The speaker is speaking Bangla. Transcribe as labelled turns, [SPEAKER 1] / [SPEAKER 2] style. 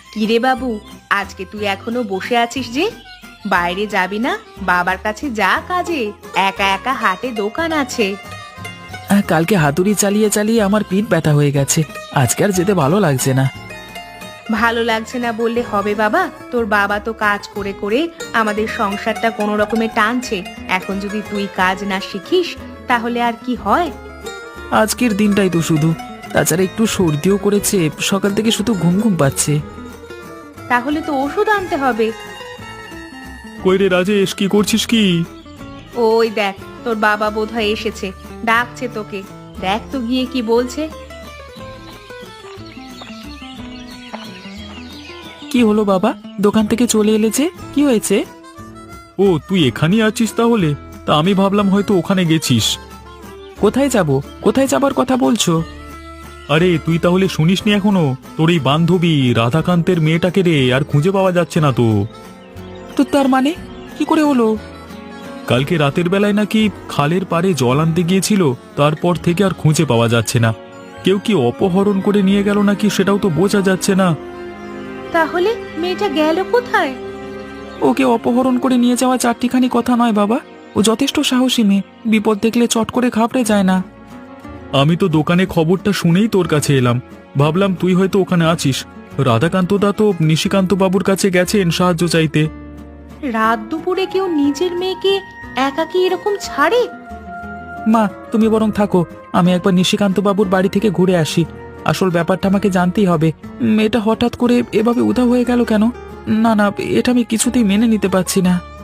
[SPEAKER 1] কিরে বাবু, আজকে তুই এখনো বসে আছিস যে? বাইরে যাবি না? বাবার কাছে যা কাজে, একা একা হাটে দোকান আছে।
[SPEAKER 2] কালকে হাতুড়ি চালিয়ে চালিয়ে আমার পিঠ ব্যথা হয়ে গেছে। আজকে আর যেতে ভালো লাগছে না।
[SPEAKER 1] ভালো লাগছে না বললে হবে বাবা? তোর বাবা তো কাজ করে করে আমাদের সংসারটা কোনো রকমে টানছে। এখন যদি তুই কাজ না শিখিস তাহলে আর কি হয়?
[SPEAKER 2] আজকের দিনটাই তো শুধু। তাছাড়া একটু সর্দিও করেছে, সকাল থেকে শুধু ঘুম ঘুম পাচ্ছে।
[SPEAKER 1] তাহলে তো ওষুধ আনতে হবে।
[SPEAKER 3] কই রে রাজেশ, কি করছিস কি?
[SPEAKER 1] ওই দেখ, তোর বাবা বোধহয় এসেছে, ডাকছে তোকে। দেখ তো গিয়ে কি বলছে।
[SPEAKER 2] কি হলো বাবা, দোকান থেকে চলে এলে যে? কি হয়েছে?
[SPEAKER 3] ও, তুই এখানেই আছিস তাহলে? তা আমি ভাবলাম হয়তো ওখানে গেছিস।
[SPEAKER 2] কোথায় যাব? কোথায় যাবার কথা বলছো?
[SPEAKER 3] আরে তুই তাহলে শুনিসনি এখনো? তোর এই বান্ধবী রাধাকান্তের মেয়েটাকে রে আর খুঁজে পাওয়া যাচ্ছে না তো।
[SPEAKER 2] তো তার মানে কি করে হলো?
[SPEAKER 3] কালকে রাতের বেলায় নাকি খালের পাড়ে জল আনতে গিয়েছিল, তারপর থেকে আর খুঁজে পাওয়া যাচ্ছে না। কেউ কি অপহরণ করে নিয়ে গেল নাকি সেটাও তো বোঝা যাচ্ছে না।
[SPEAKER 1] তাহলে মেয়েটা গেল কোথায়?
[SPEAKER 2] ওকে অপহরণ করে নিয়ে যাওয়া চারটিখানি কথা নয় বাবা। ও যথেষ্ট সাহসী মেয়ে, বিপদ দেখলে চট করে ঘাবড়ে যায় না।
[SPEAKER 3] আমি তো দোকানে খবরটা শুনেই তোর কাছে এলাম। ভাবলাম তুই হয়তো ওখানে আছিস। রাধাকান্ত দা তো নিশিকান্ত বাবুর কাছে গেছেন সাহায্য চাইতে।
[SPEAKER 1] রাত দুপুরে কেউ নিজের মেয়েকে একাকী এরকম ছাড়ে?
[SPEAKER 2] মা, তুমি বরং থাকো, আমি একবার নিশিকান্ত বাবুর বাড়ি থেকে ঘুরে আসি। আসল ব্যাপারটা আমাকে জানতেই হবে। মেয়েটা হঠাৎ করে এভাবে উধাও হয়ে গেল কেন? না না, এটা আমি কিছুতেই মেনে নিতে পারছি না।